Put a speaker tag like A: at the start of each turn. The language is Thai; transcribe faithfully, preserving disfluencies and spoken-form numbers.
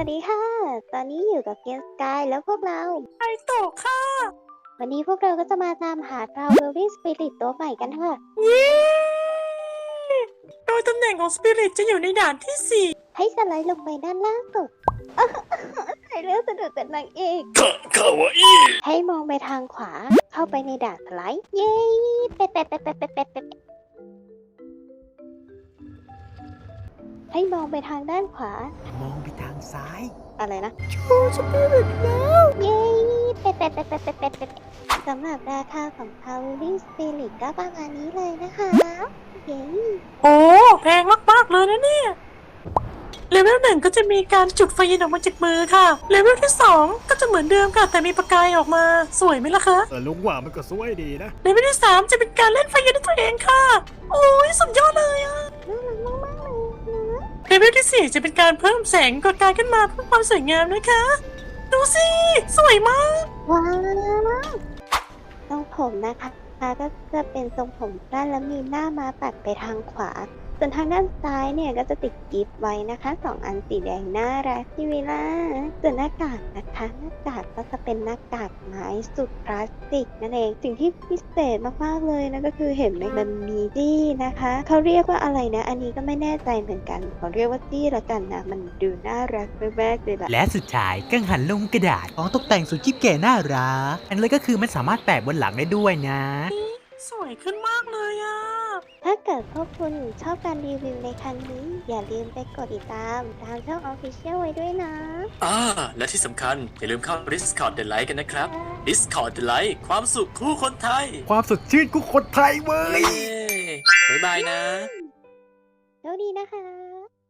A: วัสดีค่ะ ตอนนี้อยู่กับเกมสกายแล้วพวกเรา
B: ไอโตะค่ะ
A: วันนี้พวกเราก็จะมาตามหาทราวเวลลิ่งสปิริตตัวใหม่กันค่ะ
B: เย้โดยตำแหน่งของสปิริตจะอยู่ในด่านที่สี่
A: ให้สไลด์ลงไปด้านล่างสุดใส่เรื่องสะดุดเป็นนางเอก
B: คคาวาอี้
A: ให้มองไปทางขวา เข้าไปในด่านสไลด์ เย้เป็ดเป็ดเป็ดเป็ดเป็ดเป็ดเป็ดให้มองไปทางด้านขวา
C: มองไปทางซ้าย
A: อะไรนะ
C: โชว์สปิริตแล้ว
A: เย้เป็ดเป็ดเป็ดเป็ดเป็ดเป็ดเป็ดสำหรับราคาของ Towering Spirit ก็ประมาณนี้เลยนะคะเย้
B: โอ้แพงมากๆเลยนะเนี่ยเลเวลหนึ่งก็จะมีการจุดไฟเย็นออกมาจากมือค่ะเลเวลที่สองก็จะเหมือนเดิมค่ะแต่มีประกายออกมาสวยไหมล่ะคะ
C: เออลุงว่ามันก็สวยดีนะ
B: เลเวลที่สามจะเป็นการเล่นไฟเย็นด้วยตัวเองค่ะ โอ้ยสุดยอดเลยอะ
A: น่ารักมากๆเลยนะ
B: เลเวลที่สี่จะเป็นการเพิ่มแสงประกายขึ้นมาเพื่อความสวยงามนะคะ ดูสิสวยมาก
A: ว้าวทรงผมนะคะก็จะเป็นทรงผมสั้นแล้วมีหน้ามาปัดไปทางขวา ส่วนทางด้านซ้ายเนี่ยก็จะติดกิฟต์ไว้นะคะสองอันสีแดงน่ารักที่เวลาส่วนหน้ากากนะคะหน้ากากก็จะเป็นหน้ากากไม้สุดพลาสติกนั่นเองสิ่งที่พิเศษมากๆเลยนะก็คือเห็นไหมมันมีจี้นะคะเขาเรียกว่าอะไรนะ อันนี้ก็ไม่แน่ใจเหมือนกันขอเรียกว่าจี้ละกันนะมันดูน่ารักมากๆเลยล่ะ
C: และสุดท้ายกังหันลงกระดาษของตกแต่งสุดจิ๊บเก๋น่ารักอันเลยก็คือมันสามารถแปะบนหลังได้ด้วยนะ
B: สวยขึ้นมากเลยอะ
A: ถ้าเกิดพวกคุณชอบการรีวิวในครั้งนี้ อย่าลืมไปกดติดตามทางช่อง Official ไว้ด้วยนะ
D: อ่าและที่สำคัญ อย่าลืมเข้า Discord The Light กันนะครับ Discord The Light ความสุขคู่คนไทย
C: ความสดชื่นกูคนไทยเว้ย
D: เย้บ๊ายบายนะ
A: โชคดีนะคะ